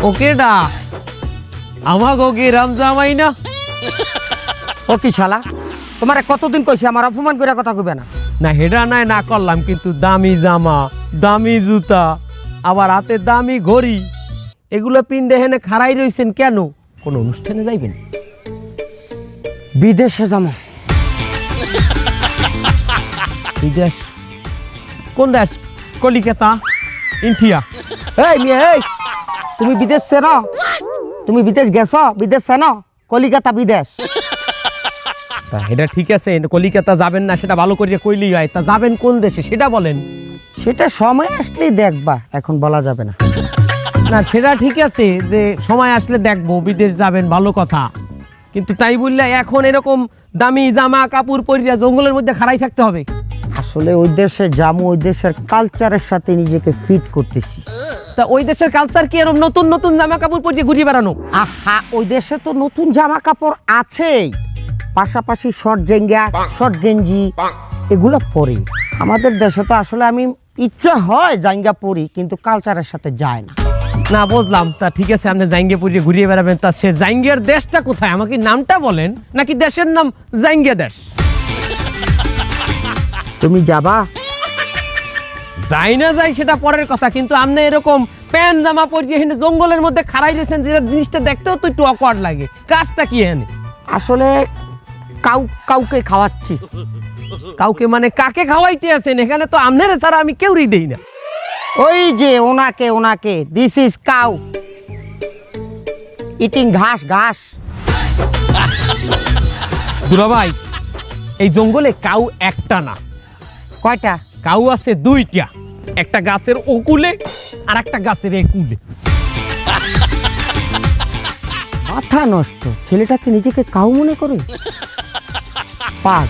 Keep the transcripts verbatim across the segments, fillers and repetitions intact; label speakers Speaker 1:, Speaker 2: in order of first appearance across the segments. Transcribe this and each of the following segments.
Speaker 1: ওকেডা আমাকে ওকে রাম জামাই না
Speaker 2: ও কি শালা তোমারে কতদিন কইছি আমার অপমান করে কথা কইবে না।
Speaker 1: না হেডা নাই না করলাম, কিন্তু দামি জামা, দামি জুতা, আবার হাতে দামি ঘড়ি, এগুলো পিনডে হেনে খাড়াই রইছেন কেন? কোন অনুষ্ঠানে যাইবেন?
Speaker 2: বিদেশে যাবো।
Speaker 1: বিদেশ? কোন দেশ? কলিকাতা, ইন্ডিয়া?
Speaker 2: এই মেয়ে এই, তুমি বিদেশ চেনো? তুমি বিদেশ গেছো? বিদেশ চেনো? কলিকাতা বিদেশ।
Speaker 1: তা এটা ঠিক আছে, কলিকাতা যাবেন না সেটা ভালো করে কইলেই হয়। তা যাবেন কোন দেশে সেটা বলেন।
Speaker 2: সেটা সময় আসলেই দেখবা, এখন বলা যাবে না।
Speaker 1: না সেটা ঠিক আছে যে সময় আসলে দেখবো, বিদেশ যাবেন ভালো কথা, কিন্তু তাই বললে এখন এরকম দামি জামা কাপড় পরিয়া জঙ্গলের মধ্যে খাড়াই থাকতে হবে?
Speaker 2: আসলে ওই দেশে যাবো, ওই দেশের কালচারের সাথে নিজেকে ফিট করতেছি।
Speaker 1: তা ওই দেশের কালচার কি এরকম নতুন নতুন জামা কাপড় পরিয়ে ঘুরিয়ে বেড়ানো?
Speaker 2: আহা, ওই দেশে তো নতুন জামা কাপড় আছেই, পাশাপাশি শর্ট জেঙ্গা, শর্ট গেঞ্জি এগুলো পরি। আমাদের দেশে তো আসলে আমি ইচ্ছা হয় জাঙ্গা পরি, কিন্তু কালচারের সাথে যায় না।
Speaker 1: না বুঝলাম, তা ঠিক আছে আপনি জাঙ্গিয়া পরিয়ে ঘুরিয়ে বেড়াবেন, তা সে জাঙ্গিয়ার দেশটা কোথায় আমাকে নামটা বলেন, নাকি দেশের নাম জাঙ্গিয়া দেশ?
Speaker 2: তুমি যাবা?
Speaker 1: যাই না যাই সেটা পরের কথা, কিন্তু আপনি এরকম প্যান্ট জামা পরিয়ে হেনে জঙ্গলের মধ্যে খাড়াই দিয়েছেন, যেটা জিনিসটা দেখতেও তো একটু অকওয়ার্ড লাগে। কাজটা কি এনে?
Speaker 2: আসলে কাউ কাউকে খাওয়াচ্ছি।
Speaker 1: কাউকে মানে কাকে খাওয়াইতে আছেন? এখানে তো আপনারা ছাড়া আমি কেউই দেই না।
Speaker 2: ওই যে ওনাকে ওনাকে দিস ইজ কাউ ইটিং ঘাস ঘাস।
Speaker 1: দুলা ভাই, এই জঙ্গলে কাউ একটা না,
Speaker 2: কয়টা?
Speaker 1: কাউ আছে দুইটা, একটা গাছের ওকুলে আর একটা গাছের একুলে।
Speaker 2: মাথা নষ্ট, ছেলেটাকে নিজেকে কাউ মনে করে পাগ।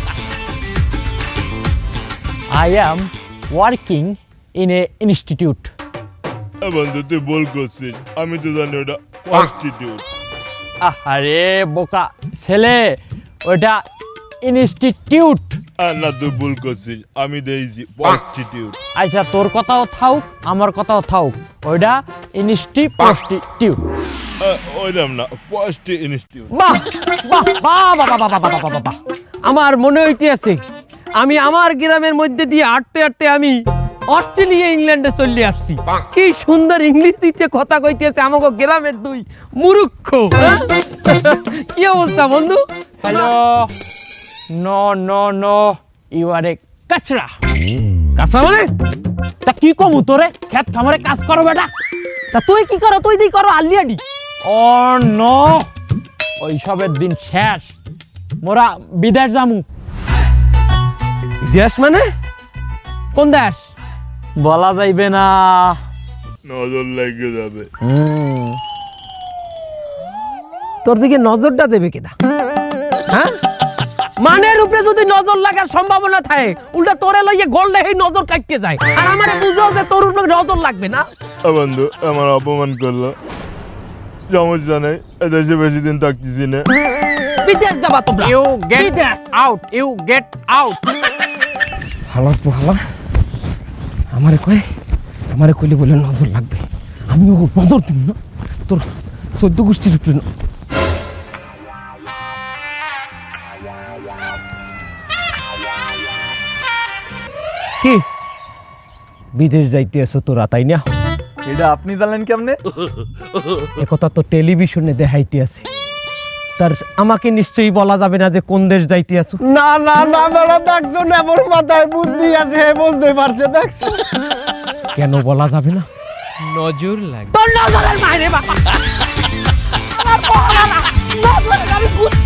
Speaker 3: I am working in a institute.
Speaker 4: বন্ধু তুই বল করছিস, আমি তো জানি ওটা কনস্টিটিউট।
Speaker 3: আরে বোকা ছেলে, ওটা ইনস্টিটিউট।
Speaker 4: আর না তুই ভুল করছিস, আমি দিয়েছি কনস্টিটিউট।
Speaker 3: আচ্ছা তোর কথাও থাউক, আমার কথাও থাউক, ওইটা ইনস্টিটিউট।
Speaker 4: ওইরকম না, পোস্ট ইনস্টিটিউট।
Speaker 1: বাহ বাহ বাহ বাহ বাহ বাহ বাহ বাহ বাহ। আমার মনে হইতে আছে আমি আমার গ্রামের মধ্যে দিয়ে হাঁটতে হাঁটতে আমি অস্ট্রেলিয়া ইংল্যান্ডে চলে আসছি। কি সুন্দর ইংলিশ দিতে কথা কইতেছে আমাকে গ্রামের দুই মূর্খ। হ্যাঁ? কি অবস্থা বন্ধু?
Speaker 3: Hello, no no no, you are a kachra.
Speaker 1: কাঁচা মানে?
Speaker 3: তা কি কমু তোরে, খেত খামারে কাজ করো বেটা।
Speaker 1: তা তুই কি করো? তুই দি করো আলিয়াডি।
Speaker 3: ও নো, ওইসবের দিন শেষ, মোরা বিদেশ যামু।
Speaker 1: দেশ মানে কোন দেশ?
Speaker 3: বলা যাইবে না।
Speaker 4: নজর লেগে যাবে।
Speaker 1: তোর দিকে নজরটা দেবে কেডা? হ্যাঁ, মানের উপরে যদি নজর লাগার সম্ভাবনা থাকে, উল্টা তোরে লইয়ে গললে এই নজর কাটতে যায়, আর আমারে বুঝো যে তোর উপরে নজর লাগবে না।
Speaker 4: বন্ধু আমার অপমান করলো, সমস্যা নেই, এদেশে বেশি দিন থাকতেছি না।
Speaker 1: বিদেশ যাবা তোমরা?
Speaker 3: You get out, you get out.
Speaker 1: হালা হালা আমারে কয়, আমারে কইলে বলে নজর লাগবে, আমি ও নজর দিব না তোর চোদ্দ গোষ্ঠীর উপরে না। কি বিদেশ যাইতে আছো তোরা, তাই না?
Speaker 5: এটা আপনি জানলেন কেমনে?
Speaker 1: একথা তো টেলিভিশনে দেখাইতে আছে, তার আমাকে নিশ্চয়ই বলা যাবে না যে কোন দেশ যাইতে আছো।
Speaker 5: না না না বেড়া, দেখছো না মোর মাথায় বুদ্ধি আছে, বুঝতে পারছে, দেখছো?
Speaker 1: কেন বলা যাবে না?
Speaker 3: নজর লাগে।
Speaker 1: তোর নজরের বাইরে বাবা। আমার বলা না, নজরের আমি বুঝ-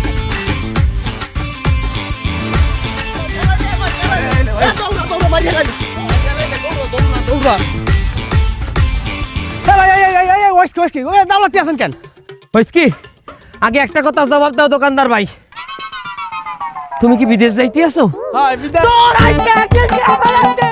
Speaker 1: হইছে কি? আগে একটা কথা জবাব দাও দোকানদার ভাই, তুমি কি বিদেশ যাইতে আছো?
Speaker 3: হ্যাঁ বিদেশ।
Speaker 1: তোর আইতে আইতে